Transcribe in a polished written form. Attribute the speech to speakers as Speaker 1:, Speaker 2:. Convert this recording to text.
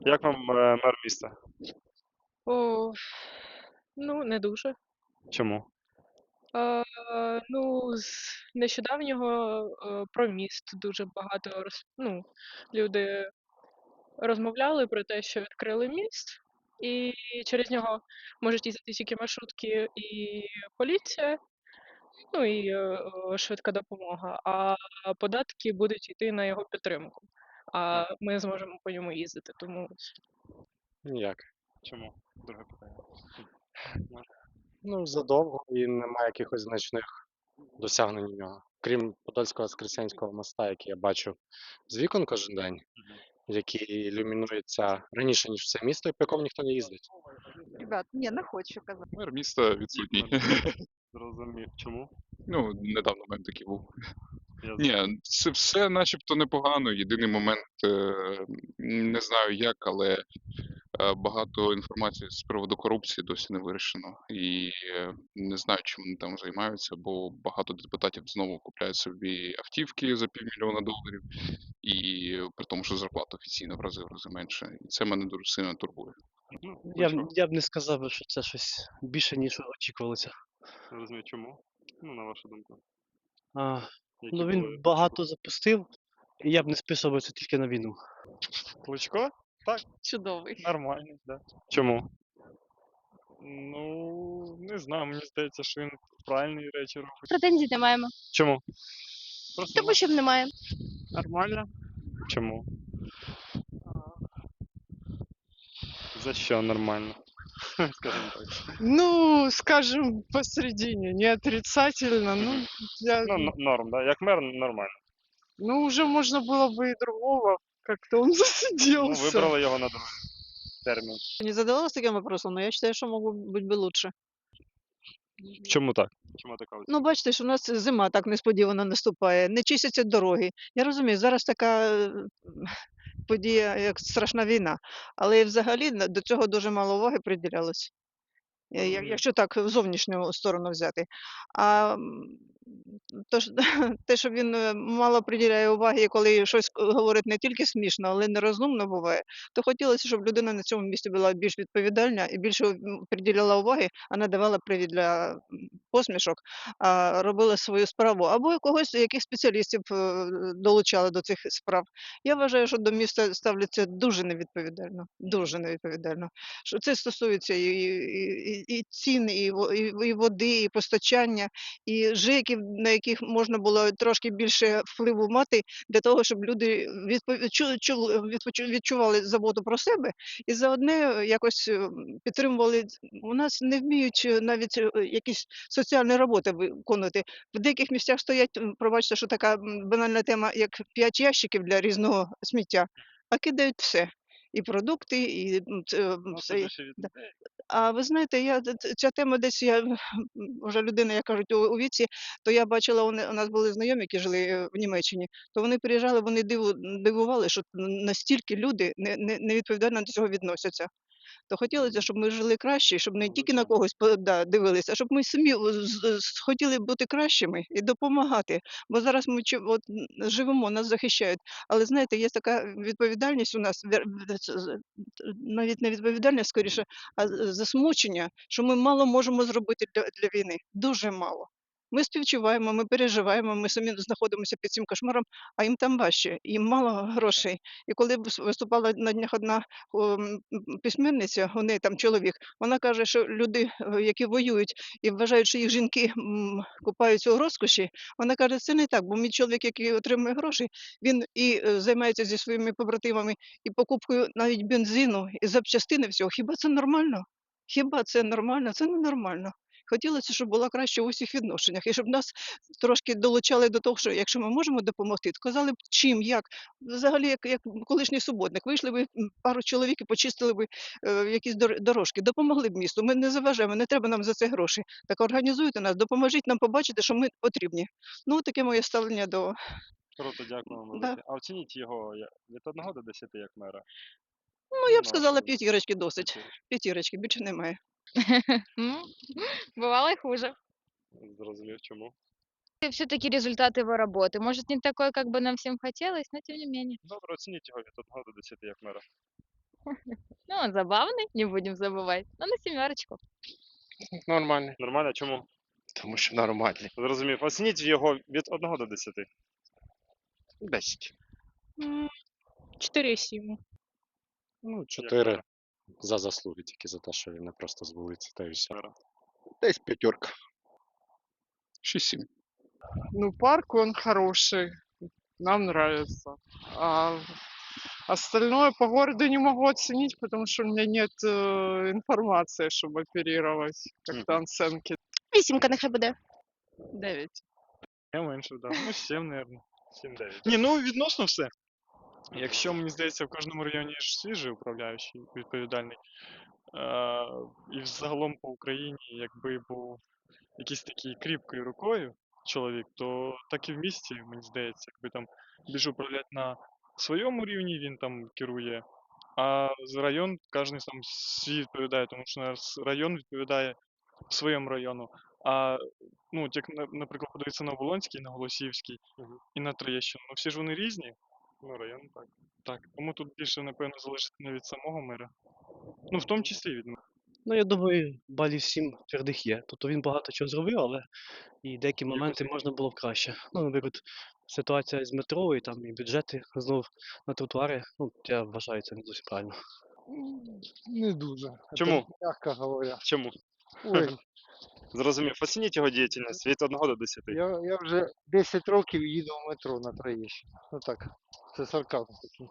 Speaker 1: Як вам мер міста?
Speaker 2: О, ну, не дуже.
Speaker 1: Чому?
Speaker 2: Ну, з нещодавнього про міст дуже багато люди розмовляли про те, що відкрили міст, і через нього можуть їздити тільки маршрутки і поліція, ну і швидка допомога, а податки будуть йти на його підтримку. А ми зможемо по ньому їздити, тому
Speaker 1: Ніяк. Чому? Друге питання.
Speaker 3: Ну, задовго і немає якихось значних досягнень у нього. Крім Подольського Воскресенського моста, який я бачу з вікон кожен день, який ілюмінується раніше, ніж все місто, і по якому ніхто не їздить.
Speaker 4: Ребят, ні, не хочу казати.
Speaker 5: Мер міста відсутній.
Speaker 1: Зрозумів. Чому?
Speaker 5: Ну, недавно в мене такий був.
Speaker 1: Я
Speaker 5: Ні, це все начебто непогано. Єдиний момент, не знаю як, але багато інформації з приводу корупції досі не вирішено. І не знаю, чим вони там займаються, бо багато депутатів знову купляють собі автівки за $500,000, і при тому, що зарплата офіційно в рази менше. І це мене дуже сильно турбує.
Speaker 1: Ну,
Speaker 6: Я б не сказав би, що це щось більше, ніж очікувалося.
Speaker 1: Розумію, чому? Ну, на вашу думку.
Speaker 6: А,
Speaker 1: Які
Speaker 6: ну
Speaker 1: були
Speaker 6: він багато запустив, і я б не списував це тільки на війну.
Speaker 1: Кличко?
Speaker 4: Чудовий.
Speaker 1: Нормальний, да. Чому? Ну, не знаю, мені здається, що він правильні речі робить.
Speaker 7: Претензій не маємо.
Speaker 1: Чому? Просто
Speaker 7: Тому що немає.
Speaker 1: нормально. Чому? За що нормально? Скажімо так.
Speaker 8: Ну, скажем, посередине, не отрицательно, ну,
Speaker 1: Ну, норм, да? Як мер нормально.
Speaker 8: ну, уже можно было бы и другого, как-то он
Speaker 1: Ну,
Speaker 8: засиделся.
Speaker 1: вибрали його на другий термін.
Speaker 4: Не задавалась таким вопросом, но я считаю, что могло быть бы лучше.
Speaker 1: Чому так? Чому така
Speaker 4: Ну, бачите, що у нас зима так несподівано наступає, не чистяться дороги. Я розумію, зараз така подія, як страшна війна, але взагалі до цього дуже мало уваги приділялось. Якщо так в зовнішню сторону взяти. А те, що він мало приділяє уваги, коли щось говорить не тільки смішно, але й нерозумно буває, то хотілося, щоб людина на цьому місці була більш відповідальна і більше приділяла уваги, а не давала привід для посмішок, а робила свою справу. Або когось, яких спеціалістів долучали до цих справ. Я вважаю, що до міста ставляться дуже невідповідально. Дуже невідповідально. Що це стосується і цін, і води, і постачання, і ЖЕКів, на яких можна було трошки більше впливу мати для того, щоб люди відчували заботу про себе і заодне якось підтримували. У нас не вміють навіть якісь соціальні роботи виконувати. В деяких місцях стоять, пробачте, що така банальна тема, як 5 ящиків для різного сміття, а кидають все. І продукти, і все. Да. А ви знаєте, ця тема десь вже людина, як кажуть, у віці, то я бачила, у нас були знайомі, які жили в Німеччині, то вони приїжджали, вони дивували, що настільки люди невідповідально до цього відносяться. То хотілося, щоб ми жили краще, щоб не тільки на когось дивилися, а щоб ми самі хотіли бути кращими і допомагати. Бо зараз ми живемо, нас захищають. Але знаєте, є така відповідальність у нас, навіть не відповідальність скоріше, а засмучення, що ми мало можемо зробити для війни. Дуже мало. Ми співчуваємо, ми переживаємо, ми самі знаходимося під цим кошмаром, а їм там важче, їм мало грошей. І коли виступала на днях одна письменниця, у неї там чоловік, вона каже, що люди, які воюють і вважають, що їх жінки купаються у розкоші, вона каже, це не так, бо мій чоловік, який отримує гроші, він і займається зі своїми побратимами і покупкою навіть бензину, і запчастини всього. Хіба це нормально? Хіба це нормально? Це ненормально. Хотілося, щоб була краще у всіх відношеннях, і щоб нас трошки долучали до того, що якщо ми можемо допомогти, то казали б чим, як. Взагалі, як колишній суботник, вийшли б пару чоловік і почистили б якісь дорожки, допомогли б місту. Ми не заважаємо, не треба нам за це гроші. Так організуйте нас, допоможіть нам побачити, що ми потрібні. Ну, таке моє ставлення до...
Speaker 1: Круто, дякую вам
Speaker 4: Да.
Speaker 1: велике. А оцініть його від 1 до 10 як мера.
Speaker 4: Ну, я б сказала,
Speaker 1: вашу думку.
Speaker 4: п'ятірочки досить. П'ятірочки, більше немає.
Speaker 7: Ну, бывало и хуже.
Speaker 1: Зрозумів, чому.
Speaker 7: И все-таки результат его работы. Может, не такой, как бы нам всем хотелось, но тем не менее.
Speaker 1: Добре, оцініть його від 1 до 10 як мера.
Speaker 7: Ну, он забавный, не будем забывать. Но на 7.
Speaker 3: Нормальний.
Speaker 1: Нормально, чому?
Speaker 3: Тому що нормальний.
Speaker 1: Зрозумів. Оцініть його від 1 до 10.
Speaker 3: 10.
Speaker 2: 4,7.
Speaker 3: Ну,
Speaker 1: Як
Speaker 3: 4
Speaker 1: Вера?
Speaker 3: за заслуги, тільки за те, що він не просто з вулиці, та й все.
Speaker 1: Вера?
Speaker 3: Десь 5.
Speaker 5: 6-7.
Speaker 8: Ну, парк, он хороший. Нам нравится. А остальное по городу не могу оценить, потому что у меня нет информации, чтобы оперировать. Как-то оценки.
Speaker 9: 8 нехай буде.
Speaker 8: 9.
Speaker 1: Я менше, да. Ну, 7, мабуть. 7-9. Ні, ну відносно все. Якщо, мені здається, в кожному районі є ж свіжий управляючий, відповідальний, і взагалом по Україні, якби був якийсь такий кріпкою рукою чоловік, то так і в місті, мені здається, якби там більше управляти на своєму рівні, він там керує, а з район кожен сам свій відповідає, тому що район відповідає своєму району. А ну, от як, наприклад, подивитися на Оболонський, на Голосіївський і на Троєщину, ну всі ж вони різні. Ну, район так. Так. Тому тут більше, напевно, залежить не від самого мера. Ну, в тому числі від мера.
Speaker 6: Ну, я думаю, балів 7 твердих є. Тобто він багато чого зробив, але і деякі моменти можна було б краще. Ну, наприклад, ситуація з метро і там і бюджети знов на тротуари. Ну, я вважаю, це не зовсім правильно.
Speaker 10: Не дуже.
Speaker 1: Чому?
Speaker 10: Мягко говоря.
Speaker 1: Чому?
Speaker 10: Ой,
Speaker 1: Зрозумів. Оцініть його діяльність від 1 до 10.
Speaker 10: я вже 10 років їду в метро на Троєщину. Ну так, це сарказм такий.